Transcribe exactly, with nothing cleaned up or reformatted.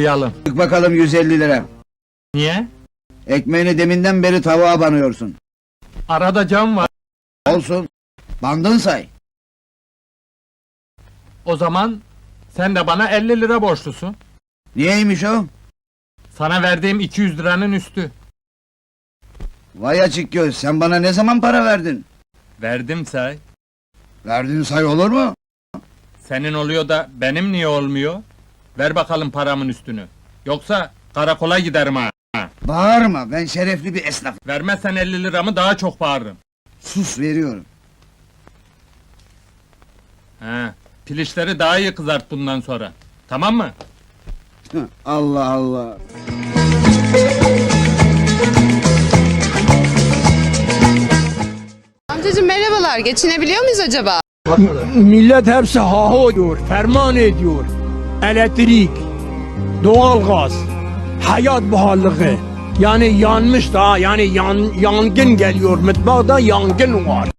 başlayalım. Çık bakalım yüz elli lira. Niye? Ekmeğini deminden beri tavuğa banıyorsun. Arada cam var. Olsun. Bandın say. O zaman sen de bana elli lira borçlusun. Niyeymiş o? Sana verdiğim iki yüz liranın üstü. Vay açık göz, sen bana ne zaman para verdin? Verdim say. Verdin say olur mu? Senin oluyor da benim niye olmuyor? Ver bakalım paramın üstünü. Yoksa karakola giderim ha. Bağırma, ben şerefli bir esnafım. Vermezsen elli liramı daha çok bağırırım. Sus, veriyorum. He, pilişleri daha iyi kızart bundan sonra. Tamam mı? Hı, Allah Allah! Amcacığım merhabalar, geçinebiliyor muyuz acaba? Millet hepsi haho diyor, ferman ediyor. Elektrik, doğalgaz, hayat pahalılığı. Yani yanmış da, yani yan, yangın geliyor, mutfakta yangın var.